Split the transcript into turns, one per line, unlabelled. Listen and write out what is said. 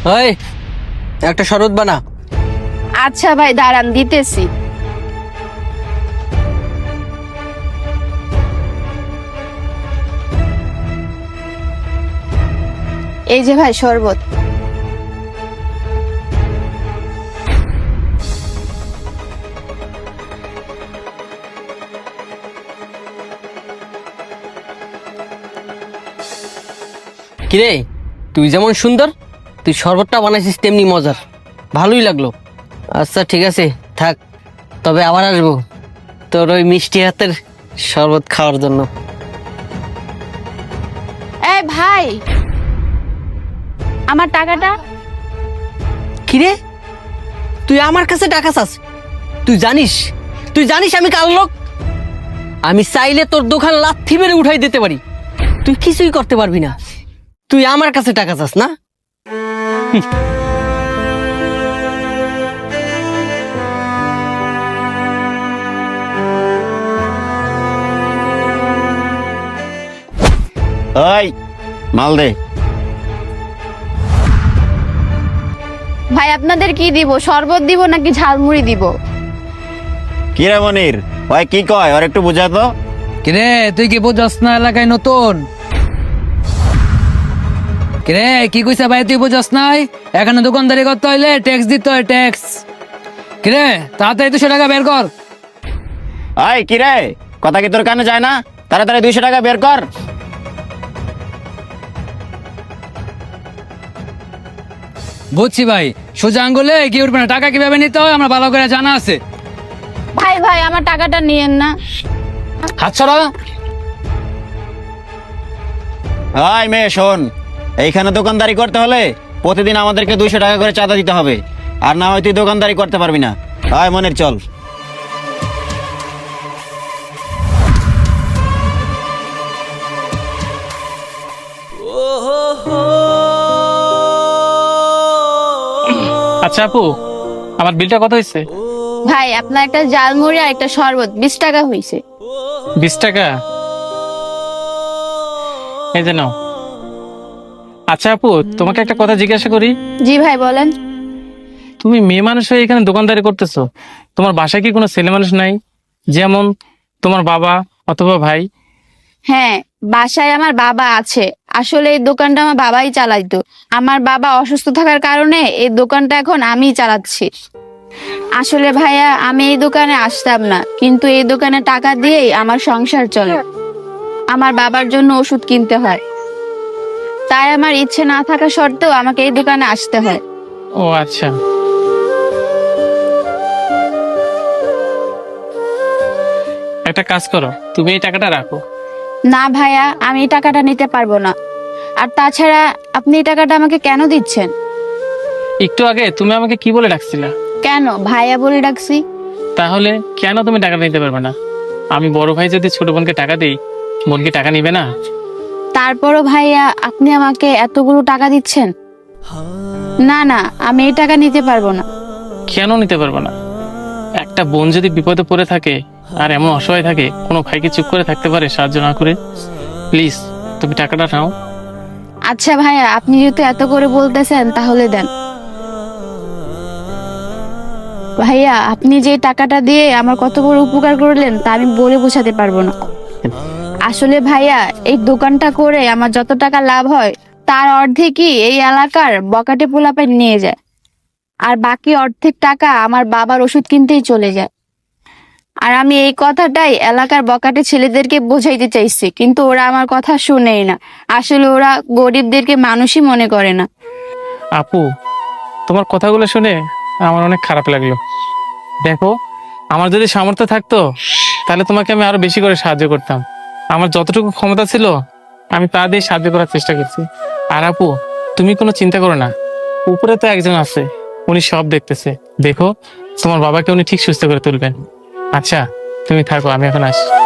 ওই একটা শরবত বানা।
আচ্ছা ভাই দাঁড়ান দিতেছি। এই যে ভাই শরবত।
কিরে তুই যেমন সুন্দর তুই শরবতটা বানাইছিস তেমনি মজার, ভালোই লাগলো। আচ্ছা ঠিক আছে থাক, তবে আবার আসবো তোর ওই মিষ্টি হাতের শরবত খাওয়ার জন্য।
এই ভাই আমার টাকাটা।
কিরে তুই আমার কাছে টাকা চাস? তুই জানিস আমি কার লোক? আমি চাইলে তোর দোকান লাথি মেরে উঠাই দিতে পারি, তুই কিছুই করতে পারবি না। তুই আমার কাছে টাকা চাস না?
ওই মাল দে।
ভাই আপনাদের কি দিব, শরবত দিব নাকি ঝালমুড়ি দিব?
কি রে মনির, ওই কি কয় ওর একটু বুঝা তো।
কিরে তুই কি বুঝস না এলাকায় নতুন? কিরে কি কইছে ভাই, তুই বুঝস নাই? এখানে দোকানদারি করতে হইলে ট্যাক্স দিতে হয়, ট্যাক্স। কিরে তাড়াতাড়ি 200 টাকা বের কর।
ওই কি রে, কথা কি তোর কানে যায় না? তাড়াতাড়ি 200 টাকা বের কর।
বুঝছি ভাই, সোজা আঙ্গুলে কি উঠবে না, টাকা কিভাবে নিতে হয় আমরা ভালো করে জানা আছে।
ভাই ভাই আমার টাকাটা নিয়েন না।
হাত ছড়া।
ওই মেয়ে শোন, এইখানে দোকানদারি করতে হলে প্রতিদিন আমাদেরকে 200 টাকা করে চাঁদা দিতে হবে, আর না হয় তুই দোকানদারি করতে পারবি না। ওই মনির চল।
আচ্ছা আপু, আমার বিলটা কত হয়েছে?
ভাই আপনার একটা ঝালমুড়ি আর একটা শরবত 20 টাকা হইছে।
20 টাকা? এই যে নাও। আচ্ছা আপু, তোমাকে একটা কথা জিজ্ঞাসা করি।
জি ভাই বলেন।
তুমি মেয়ে মানুষ হয়ে এখানে দোকানদারি করতেছো, তোমার বাসায় কি কোনো ছেলে মানুষ নাই, যেমন তোমার বাবা অথবা ভাই?
হ্যাঁ বাসায় আমার বাবা আছে, আসলে এই দোকানটা আমার বাবাই চালাইতো। আমার বাবা অসুস্থ থাকার কারণে এই দোকানটা এখন আমিই চালাচ্ছি। আসলে ভাইয়া আমি এই দোকানে আসতাম না, কিন্তু এই দোকানে টাকা দিয়েই আমার সংসার চলে। আমার বাবার জন্য ওষুধ কিনতে হয়, তাই আমার ইচ্ছে না থাকা সত্ত্বেও আমাকে এই দোকানে আসতে হয়।
ও আচ্ছা। একটা কাজ করো, তুমি এই টাকাটা রাখো।
না ভাইয়া আমি এই টাকাটা নিতে পারবো না। আর তাছাড়া আপনি এই টাকাটা আমাকে কেন দিচ্ছেন?
একটু আগে তুমি আমাকে কি বলে ডাকছিলা?
কেন ভাইয়া বলে ডাকছি?
তাহলে কেন তুমি টাকাটা নিতে পারবে না? আমি বড় ভাই যদি ছোট বোনকে টাকা দিই, বোন কি টাকা নিবে না?
তারপরও ভাইয়া আপনি আমাকে এতগুলো টাকা দিচ্ছেন। না না আমি এই টাকা নিতে পারবো না।
কেন নিতে পারবো না? একটা বোন যদি বিপদে পড়ে থাকে আর এমন অসহায় থাকে, কোনো ভাইকে চুপ করে থাকতে পারে সাহায্য না করে? প্লিজ তুমি টাকাটা নাও।
আচ্ছা ভাইয়া আপনি যেহেতু এত করে বলতেছেন তাহলে দেন। ভাইয়া আপনি যে টাকাটা দিয়ে আমার কত বড় উপকার করলেন তা আমি বলে বোঝাতে পারবো না। আসলে ভাইয়া এই দোকানটা করে আমার যত টাকা লাভ হয় তার অর্ধেকই এই এলাকার বকাটে পোলাপাই নিয়ে যায়, আর বাকি অর্ধেক টাকা আমার বাবার ওষুধ কিনতেই চলে যায়। আর আমি এই কথাটাই এলাকার বকাটে ছেলেদেরকে বোঝাইতে চাইছি, কিন্তু ওরা আমার কথা শুনেই না। আসলে ওরা গরিবদেরকে মানুষই মনে করে না।
আপু, তোমার কথাগুলো শুনে আমার অনেক খারাপ লাগলো। দেখো, আমার যদি সামর্থ্য থাকতো তাহলে তোমাকে আমি আরো বেশি করে সাহায্য করতাম। আমার যতটুকু ক্ষমতা ছিল আমি তা দিয়ে সাহায্য করার চেষ্টা করছি। আর আপু, তুমি কোনো চিন্তা করো না, উপরে তো একজন আছে, উনি সব দেখতেছে। দেখো, তোমার বাবাকে উনি ঠিক সুস্থ করে তুলবেন। আচ্ছা তুমি থাকো, আমি এখন আসি।